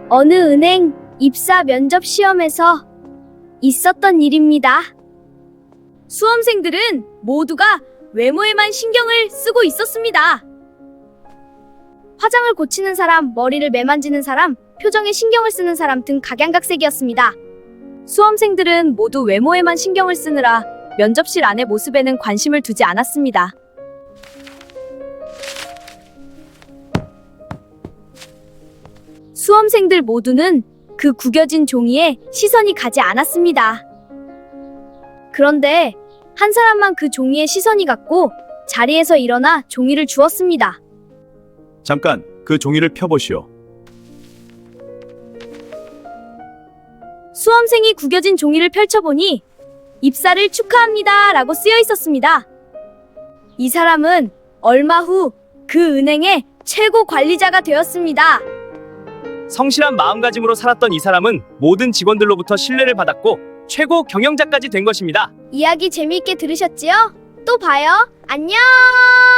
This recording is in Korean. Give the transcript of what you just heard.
어느 은행 입사 면접 시험에서 있었던 일입니다. 수험생들은 모두가 외모에만 신경을 쓰고 있었습니다. 화장을 고치는 사람, 머리를 매만지는 사람, 표정에 신경을 쓰는 사람 등 각양각색이었습니다. 수험생들은 모두 외모에만 신경을 쓰느라 면접실 안의 모습에는 관심을 두지 않았습니다. 수험생들 모두는 그 구겨진 종이에 시선이 가지 않았습니다. 그런데 한 사람만 그 종이에 시선이 갔고 자리에서 일어나 종이를 주었습니다. 잠깐, 그 종이를 펴보시오. 수험생이 구겨진 종이를 펼쳐보니 입사를 축하합니다 라고 쓰여 있었습니다. 이 사람은 얼마 후 그 은행의 최고 관리자가 되었습니다. 성실한 마음가짐으로 살았던 이 사람은 모든 직원들로부터 신뢰를 받았고 최고 경영자까지 된 것입니다. 이야기 재미있게 들으셨지요? 또 봐요. 안녕!